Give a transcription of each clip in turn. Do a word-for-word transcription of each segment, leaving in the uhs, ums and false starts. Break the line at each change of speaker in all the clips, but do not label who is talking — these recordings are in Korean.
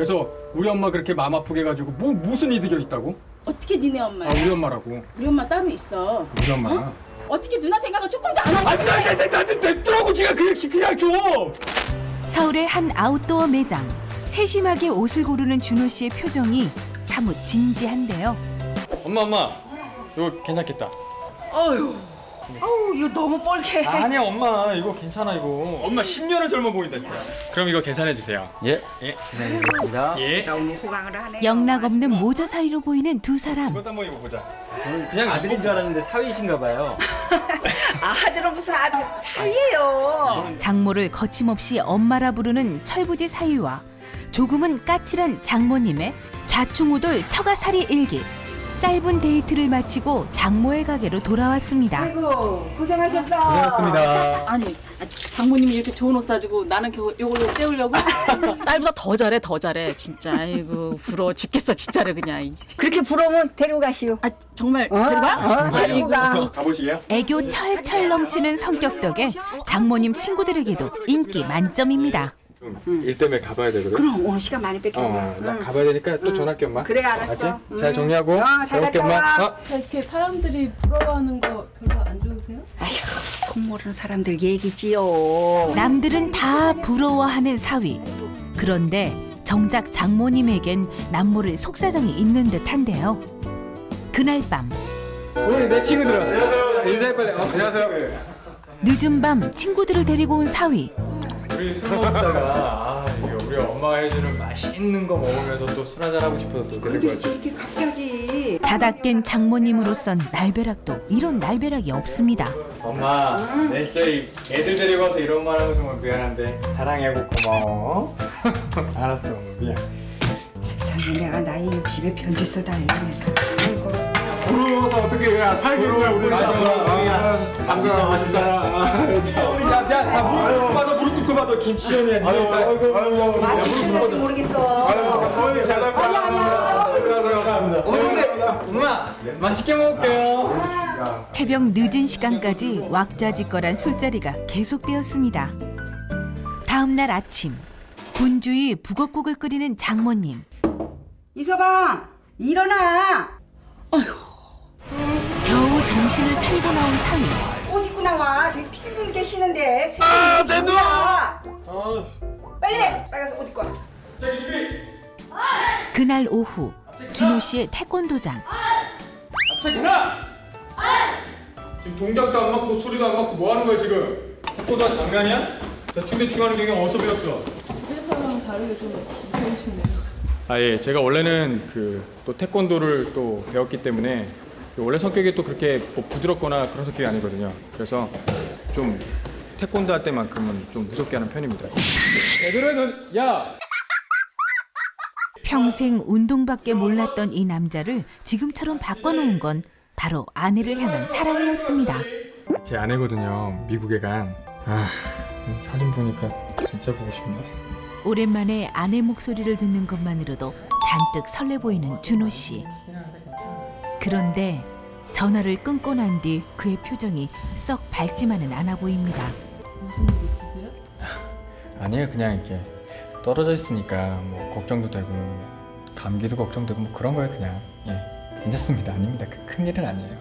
그래서 우리 엄마 그렇게 마음 아프게 해가지고 뭐 무슨 이득이 있다고?
어떻게 니네 엄마야?
아 우리 엄마라고.
우리 엄마 따로 있어.
우리 엄마.
어? 어떻게 누나 생각은 조금도 안 하냐?
아니 나나나좀 냅두라고 지가 그냥 그냥 좀.
서울의 한 아웃도어 매장. 세심하게 옷을 고르는 준호 씨의 표정이 사뭇 진지한데요.
엄마 엄마 이거 괜찮겠다.
어휴, 어우 이거 너무 뻘게.
아니야 엄마 이거 괜찮아 이거. 엄마 십 년은 젊어 보인다 진짜. 그럼 이거 괜찮해 주세요.
예,
예.
기다리겠습니다.
예.
너무 호강을 하네.
영락 없는 모자 사이로 보이는 두 사람.
이것도 한번 입어보자. 그냥
아들인 줄 알았는데 사위신가 봐요.
아들은 무슨 아들 사위예요.
장모를 거침없이 엄마라 부르는 철부지 사위와 조금은 까칠한 장모님의 좌충우돌 처가살이 일기. 짧은 데이트를 마치고 장모의 가게로 돌아왔습니다.
아이고 고생하셨어.
고생했습니다.
아니 아, 장모님이 이렇게 좋은 옷 사주고 나는 겨, 요걸로 때우려고? 딸보다 더 잘해 더 잘해 진짜. 아이고 부러워 죽겠어 진짜로 그냥.
그렇게 부러우면 데리고 가시오.
아 정말
어?
데려가?
어, 데리고 가.
가보시게요?
애교 철철 넘치는 성격 덕에 장모님 친구들에게도 인기 만점입니다.
일 때문에 가봐야 되거든.
그럼 오늘 시간 많이 뺏겨.
어, 나 가봐야 되니까 또 전화할게 엄마.
그래, 알았어.
알았지?
음.
잘 정리하고.
어, 잘
가볼게,
갔다
엄마.
와.
어?
이렇게 사람들이 부러워하는 거 별로 안 좋으세요?
아휴 속 모르는 사람들 얘기지요.
남들은 다 부러워하는 사위. 그런데 정작 장모님에겐 남모를 속사정이 있는 듯한데요. 그날 밤
우리 내 친구들아. 안녕하세요. 인사해 빨리. 어, 안녕하세요.
늦은 밤 친구들을 데리고 온 사위.
우리 술 먹다가 아, 이게 우리 엄마가 해주는 맛있는 거 먹으면서 또 술 한잔 하고 싶어서 또 데리고 왔지.
이렇게 갑자기.
자다 깬 장모님으로선 날벼락도 이런 날벼락이 없습니다.
엄마, 내일 저희 애들 데리고 와서 이런 말 하면 정말 미안한데 사랑해고 고마워. 알았어, 엄마, 미안.
세상에 내가 나이 육십에 변짓을 다 했네. 아이고.
부러워서 어떻게 해? 팔개월 우리 장사 맛있다. 참 우리 남자 다 무릎 꿇고 봐도 무릎 꿇고 봐도 김치전이야.
맛있는 건지 모르겠어.
엄마 맛있게 먹을게요.
새벽 늦은 시간까지 왁자지껄한 술자리가 계속되었습니다. 다음 날 아침 분주히 북엇국을 끓이는 장모님.
이서방 일어나.
겨우 정신을 차리고 나온 사위.
옷 입고 나와. 저기 피디님 계시는데. 아, 내 눈. 빨리 빨리 가서 옷 입고 와.
그날 오후 준호 씨의 태권도장.
갑자기 누나! 지금 동작도 안 맞고 소리도 안 맞고 뭐 하는 거야 지금? 태권도가 장난이야? 대충대충 하는 경영 어디서 배웠어?
집에서랑 다르게 좀 무서우시네요.
아 예, 제가 원래는 그 또 태권도를 또 배웠기 때문에 원래 성격이 또 그렇게 뭐 부드럽거나 그런 성격이 아니거든요. 그래서 좀 태권도 할 때만큼은 좀 무섭게 하는 편입니다. 애들은 야!
평생 운동밖에 몰랐던 이 남자를 지금처럼 바꿔놓은 건 바로 아내를 향한 사랑이었습니다.
제 아내거든요. 미국에 간. 아, 사진 보니까 진짜 보고 싶네.
오랜만에 아내 목소리를 듣는 것만으로도 잔뜩 설레 보이는 준호 씨. 그런데 전화를 끊고 난 뒤 그의 표정이 썩 밝지만은 않아 보입니다.
무슨 일 있으세요?
아니에요, 그냥 이렇게 떨어져 있으니까 뭐 걱정도 되고 감기도 걱정되고 뭐 그런 거예요, 그냥. 예, 괜찮습니다. 아닙니다. 큰 일은 아니에요.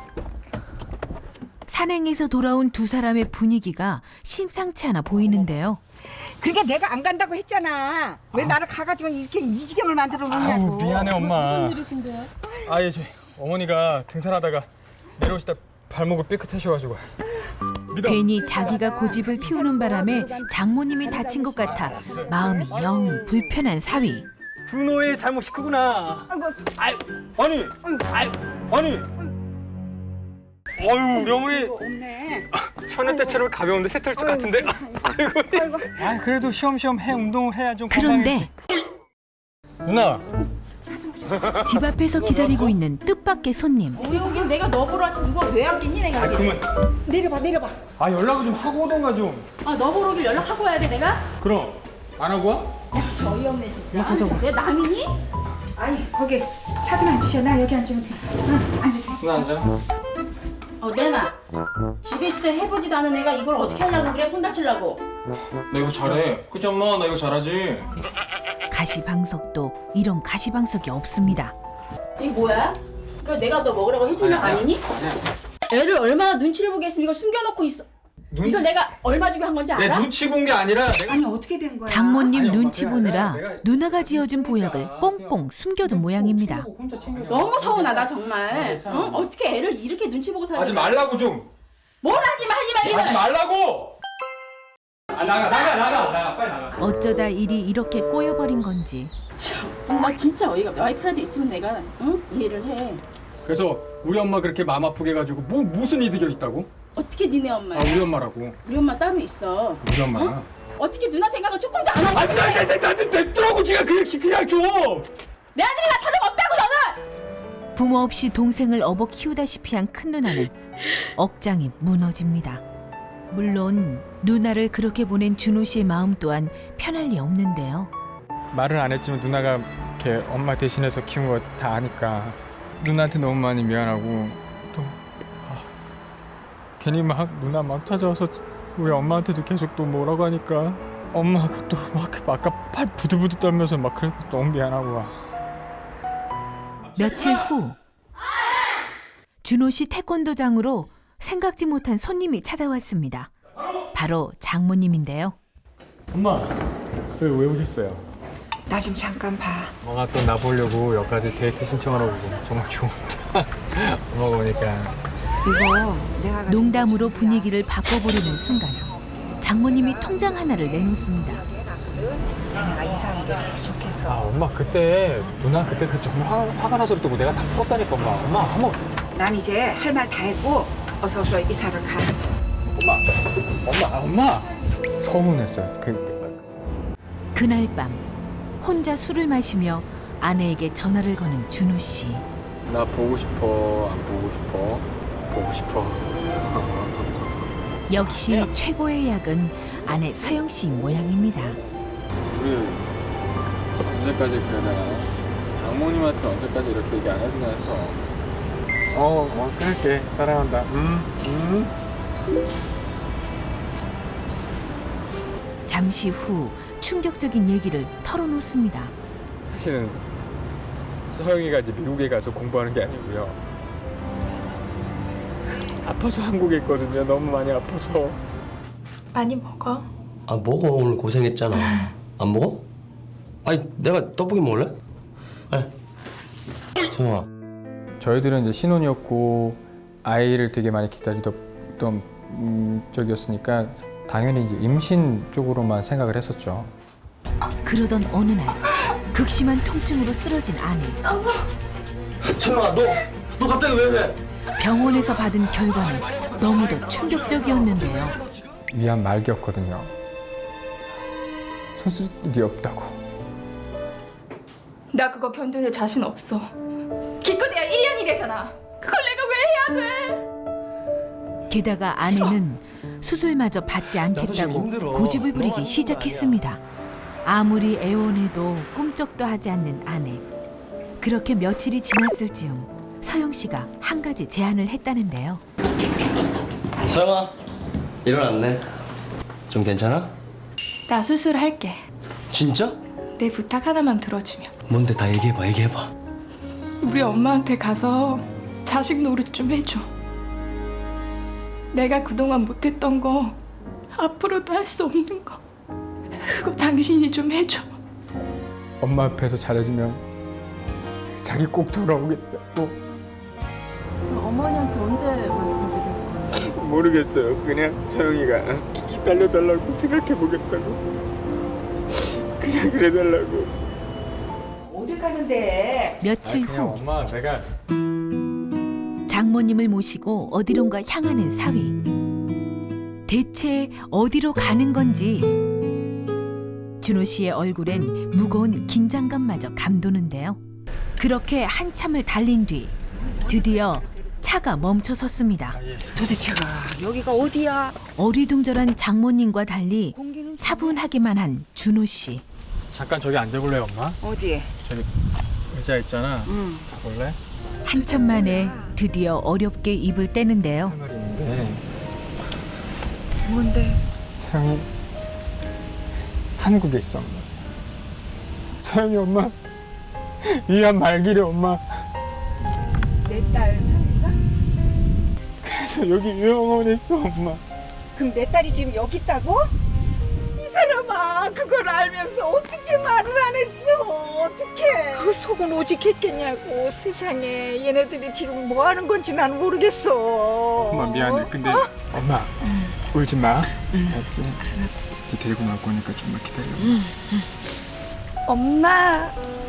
산행에서 돌아온 두 사람의 분위기가 심상치 않아 보이는데요.
그러니까 내가 안 간다고 했잖아. 왜 나를 가가지고 이렇게 이 지경을 만들어 놓냐고.
아우, 미안해 엄마.
무슨 일이신데요?
아, 예, 저 어머니가 등산하다가 내려오시다 발목을 삐끗하셔가지고. 믿어.
괜히 자기가 고집을 피우는 바람에 장모님이 다친 것 같아 마음이 영 불편한 사위.
준호의 잘못이 크구나.
아이고,
아유, 아니, 아유, 아니. 어유, 우리 어머니
없네.
천연 때처럼 가벼운데 새털쪽 같은데. 아이고.
아이고.
아, 그래도 쉬엄쉬엄 해 운동을 해야 좀
그런데
건강해지지. 누나.
집 앞에서 기다리고 있는 뜻밖의 손님.
왜 여긴 내가 너 보러 왔지 누가 왜 왔겠니 내가
아,
여기.
그만.
내려봐, 내려봐.
아, 연락을 좀 하고 오던가 좀.
아너 보러 오길 연락하고 와야 돼 내가?
그럼 안 하고 와?
야 어이없네 진짜. 내 남이니?
아이, 거기 차좀 앉으셔. 나 여기 앉으면 돼. 응, 앉으세요.
누나 앉아.
어 내나 집에 있을 때 해보지도 않은 애가 이걸 어떻게 하려고 그래 손 다치려고.
나 이거 잘해. 그치 엄마? 나 이거 잘하지.
가시방석도 이런 가시방석이 없습니다.
이게 뭐야? 이거 내가 너 먹으라고 해준 거 아니니? 애를 얼마나 눈치를 보겠으면 이걸 숨겨놓고 있어.
눈-
이걸 내가 얼마 주고 한 건지
내
알아?
눈치 본 게 아니라 내가
아니 어떻게 된 거야?
장모님
아니, 엄마,
눈치
그냥
보느라
내가- 내가
누나가 지어준
있으니까
보약을 꽁꽁 숨겨둔 모양입니다.
혼자 챙겨.
너무 서운하다 정말. 응? 어떻게 애를 이렇게 눈치 보고 살지?
하지 말라고 좀.
뭘 하지 마 하지 마
하지 말라고. 아, 나가 나가 나가 나가 빨리 나가.
어쩌다 일이 이렇게 꼬여버린 건지
참, 나 진짜 어이가 없다. 와이프라도 있으면 내가 응? 이해를 해.
그래서 우리 엄마 그렇게 마음 아프게 해가지고 뭐 무슨 이득이 있다고?
어떻게 니네 엄마야?
아 우리 엄마라고.
우리 엄마 따로 있어.
우리 엄마.
어? 어떻게 누나 생각은 조금도 안 하니?
아니 나나나좀 냅두라고 지가 그냥 그냥 좀.
내 아들이 나 다름없다고 너는!
부모 없이 동생을 업어 키우다시피 한 큰 누나는 억장이 무너집니다. 물론 누나를 그렇게 보낸 준호 씨의 마음 또한 편할 리 없는데요.
말을 안 했지만 누나가 이렇게 엄마 대신해서 키운 거 다 아니까 누나한테 너무 많이 미안하고 또 아, 괜히 막 누나 막 찾아와서 우리 엄마한테도 계속 또 뭐라고 하니까 엄마가 또 막 아까 팔 부들부들 떨면서 막 그래서 너무 미안하고.
며칠 후 준호 씨 태권도장으로 생각지 못한 손님이 찾아왔습니다. 바로 장모님인데요.
엄마 왜, 왜 오셨어요?
나 좀 잠깐 봐.
엄마가 또 나 보려고 여기까지 데이트 신청하러 오고 정말 좋은데 엄마가 오니까
이거 내가 가지고
농담으로 분위기를 바꿔보려는 순간 장모님이 통장 하나를 내놓습니다.
해놨거든. 자네가 이사하는 게 제일
아
좋겠어.
엄마 그때 누나 그때 그 정말 화, 화가 나서 그랬고 내가 다 풀었다니까 엄마 엄마 한번
난 이제 할 말 다 했고 어서 어서 이사를 가.
엄마 엄마 아, 엄마 서운했어요 그
그날 밤 혼자 술을 마시며 아내에게 전화를 거는 준호 씨.
나 보고 싶어 안 보고 싶어 보고 싶어
역시 최고의 약은 아내 서영 씨 모양입니다.
우리 언제까지 그래야 되나 장모님한테 언제까지 이렇게 얘기 안 해주나 해서 어, 어 그럴게 사랑한다 음, 음.
잠시 후 충격적인 얘기를 털어놓습니다.
사실은 서영이가 이제 미국에 가서 공부하는 게 아니고요. 아파서 한국에 있거든요. 너무 많이 아파서.
많이 먹어.
아 먹어 오늘 고생했잖아. 안 먹어? 아니 내가 떡볶이 먹을래? 네. 정아.
저희들은 이제 신혼이었고 아이를 되게 많이 기다리던 음, 적이었으니까 당연히 이제 임신 쪽으로만 생각을 했었죠.
그러던 어느 날 극심한 통증으로 쓰러진 아내.
정아 너 너 갑자기 왜 그래?
병원에서 받은 결과는 너무도 충격적이었는데요.
위암 말기였거든요. 수술이 없다고.
나 그거 견뎌낼 자신 없어. 기껏해야 일 년이래잖아. 그걸 내가 왜 해야 돼?
게다가 아내는 수술마저 받지
나도 지금
않겠다고
힘들어.
고집을
너
부리기
아니면
시작했습니다. 아무리 애원해도 꿈쩍도 하지 않는 아내. 그렇게 며칠이 지났을 즈음 서영 씨가 한 가지 제안을 했다는데요.
서영아 일어났네. 좀 괜찮아?
나 수술할게.
진짜?
내 부탁 하나만 들어주면.
뭔데 다 얘기해봐 얘기해봐.
우리 엄마한테 가서 자식 노릇 좀 해줘. 내가 그동안 못했던 거 앞으로도 할 수 없는 거 그거 당신이 좀 해줘.
엄마 앞에서 잘해주면 자기 꼭 돌아오겠다고.
어머니한테 언제 말씀드릴 거예요?
모르겠어요. 그냥 서영이가 기다려달라고 생각해보겠다고. 그냥 그래달라고.
어딜 가는데?
며칠 후
엄마 내가
장모님을 모시고 어디론가 향하는 사위. 대체 어디로 가는 건지 준호 씨의 얼굴엔 무거운 긴장감마저 감도는데요. 그렇게 한참을 달린 뒤 드디어 차가 멈춰 섰습니다.
도대체가 여기가 어디야?
어리둥절한 장모님과 달리 차분하기만 한 준호 씨.
잠깐 저기 앉아볼래요, 엄마?
어디에?
저기 의자 있잖아.
응.
볼래?
한참 만에 드디어 어렵게 입을 떼는데요.
할 말이 있는데
뭔데?
서영이 한국에 있어. 엄마. 서영이 엄마 위안 말기래 엄마.
내 딸 서영이가?
그래서 여기 요양원에 있어 엄마.
그럼 내 딸이 지금 여기 있다고? 이 사람아 그걸 알면서 어떻게 말을 안 했어? 어떻게? 그 속은 오직했겠냐고. 세상에 얘네들이 지금 뭐 하는 건지 난 모르겠어.
엄마 미안해. 근데 엄마 울지 마. 알았지? 네 데리고 나올 거니까 좀만 기다려.
엄마.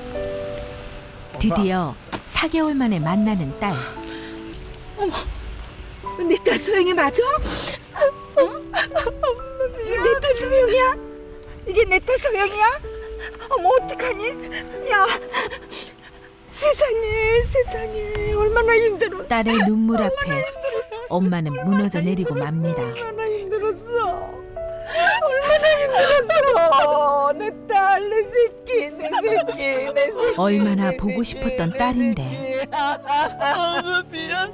드디어 사 개월 만에 만나는 딸.
내 딸 소영이 맞아? 어? 이게 내 딸 소영이야? 이게 내 딸 소영이야? 어머 어떡하니? 야 세상에 세상에 얼마나 힘들어.
딸의 눈물 앞에 엄마는 무너져 내리고 맙니다.
얼마나 힘들었어. 얼마나 힘들었어. 내 딸 내 새끼 내 새끼 내 새끼.
얼마나
내
보고
새끼,
싶었던
내
딸인데.
새끼. 어머 미안.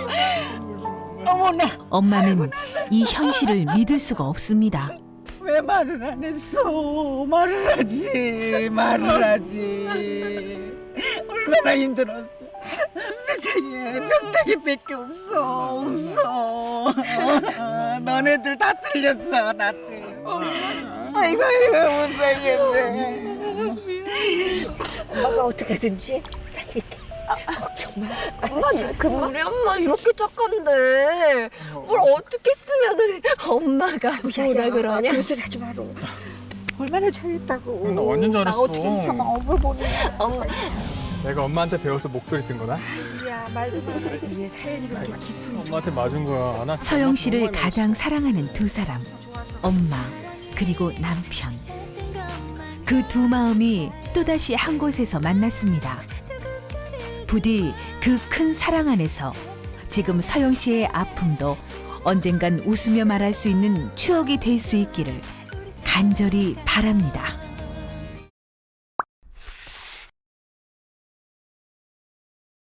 어머나
엄마는 이 현실을 믿을 수가 없습니다.
왜 말을 안 했어? 말을 하지 말을 하지. 얼마나 힘들었어. 세상에 평택이밖에 없어 없어. 너네들 다 틀렸어 나 지금. 아이고 아이고 못 살겠네. 엄마가 어떻게든지 살릴게. 걱정 마.
엄마 지금 우리 엄마 이렇게 착한데 뭘 어떻게 쓰면은 엄마가 뭐라 그러냐?
그런 소리 하지 마라. 얼마나 잘했다고.
나 완전 잘했어.
나 어떻게 이상한 업을 보냐.
엄마
내가 엄마한테 배워서 목도리 뜬 거다.
야 말도 못해. 이게 사연이 그렇게 깊은.
엄마한테 맞은 거야. 안 할게.
서영 씨를 가장 사랑하는 두 사람, 엄마 그리고 남편. 그 두 마음이 또다시 한 곳에서 만났습니다. 부디 그 큰 사랑 안에서 지금 서영 씨의 아픔도 언젠간 웃으며 말할 수 있는 추억이 될 수 있기를 간절히 바랍니다.